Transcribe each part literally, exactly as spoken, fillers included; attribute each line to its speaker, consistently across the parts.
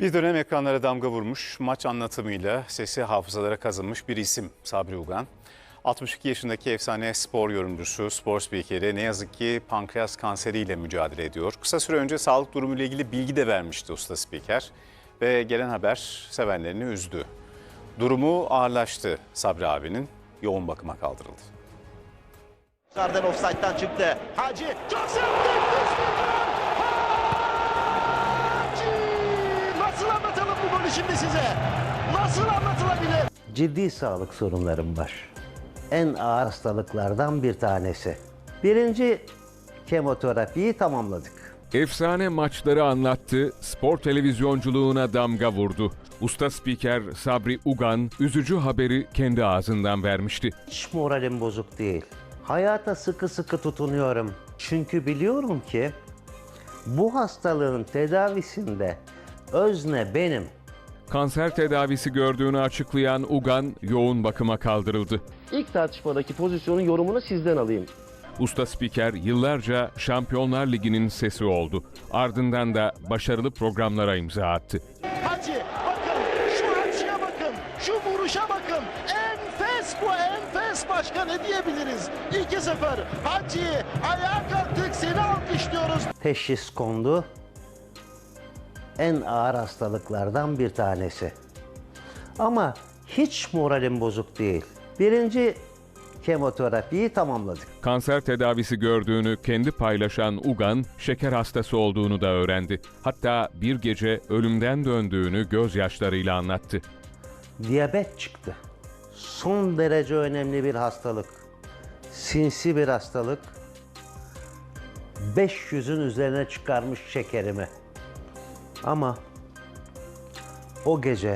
Speaker 1: Bir dönem ekranlara damga vurmuş, maç anlatımıyla sesi hafızalara kazınmış bir isim Sabri Ugan. altmış iki yaşındaki efsane spor yorumcusu, spor spikeri ne yazık ki pankreas kanseriyle mücadele ediyor. Kısa süre önce sağlık durumuyla ilgili bilgi de vermişti usta spiker ve gelen haber sevenlerini üzdü. Durumu ağırlaştı Sabri abinin, yoğun bakıma kaldırıldı.
Speaker 2: Karden offside'dan çıktı. Hacı çok sert. Nasıl anlatalım bu golü şimdi size? Nasıl anlatılabilir?
Speaker 3: Ciddi sağlık sorunlarım var. En ağır hastalıklardan bir tanesi. Birinci kemoterapiyi tamamladık.
Speaker 4: Efsane maçları anlattı, spor televizyonculuğuna damga vurdu. Usta spiker Sabri Ugan üzücü haberi kendi ağzından vermişti.
Speaker 3: Hiç moralim bozuk değil. Hayata sıkı sıkı tutunuyorum. Çünkü biliyorum ki bu hastalığın tedavisinde özne benim.
Speaker 4: Kanser tedavisi gördüğünü açıklayan Ugan yoğun bakıma kaldırıldı.
Speaker 5: İlk tartışmadaki pozisyonun yorumunu sizden alayım.
Speaker 4: Usta spiker yıllarca Şampiyonlar Ligi'nin sesi oldu. Ardından da başarılı programlara imza attı.
Speaker 2: Hacı bakın şu Hacı'ya bakın. Şu vuruşa bakın. Enfes bu enfes başka ne diyebiliriz? iki sıfır. Hacı ayağa kalktık seni alkışlıyoruz.
Speaker 3: Teşhis kondu. En ağır hastalıklardan bir tanesi. Ama hiç moralim bozuk değil. Birinci kemoterapiyi tamamladık.
Speaker 4: Kanser tedavisi gördüğünü kendi paylaşan Ugan, şeker hastası olduğunu da öğrendi. Hatta bir gece ölümden döndüğünü gözyaşlarıyla anlattı.
Speaker 3: Diyabet çıktı. Son derece önemli bir hastalık. Sinsi bir hastalık. beş yüzün üzerine çıkarmış şekerimi. Ama o gece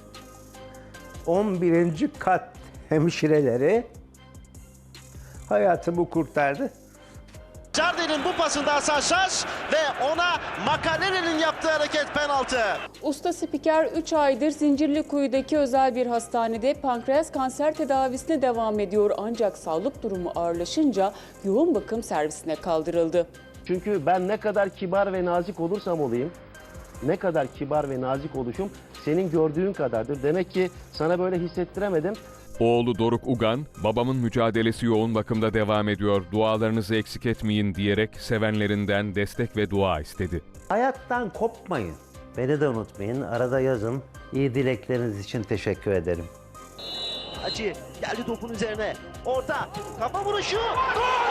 Speaker 3: on birinci kat hemşireleri hayatımı kurtardı.
Speaker 2: Jardel'in bu pasında Hasan Şaş ve ona Makalele'nin yaptığı hareket penaltı.
Speaker 6: Usta spiker üç aydır Zincirlikuyu'daki özel bir hastanede pankreas kanser tedavisine devam ediyor. Ancak sağlık durumu ağırlaşınca yoğun bakım servisine kaldırıldı.
Speaker 5: Çünkü ben ne kadar kibar ve nazik olursam olayım, ne kadar kibar ve nazik oluşum senin gördüğün kadardır. Demek ki sana böyle hissettiremedim.
Speaker 4: Oğlu Doruk Ugan, babamın mücadelesi yoğun bakımda devam ediyor, dualarınızı eksik etmeyin diyerek sevenlerinden destek ve dua istedi.
Speaker 3: Hayattan kopmayın. Beni de unutmayın. Arada yazın. İyi dilekleriniz için teşekkür ederim.
Speaker 2: Hacı geldi topun üzerine. Orta kafa vuruşu. Gol!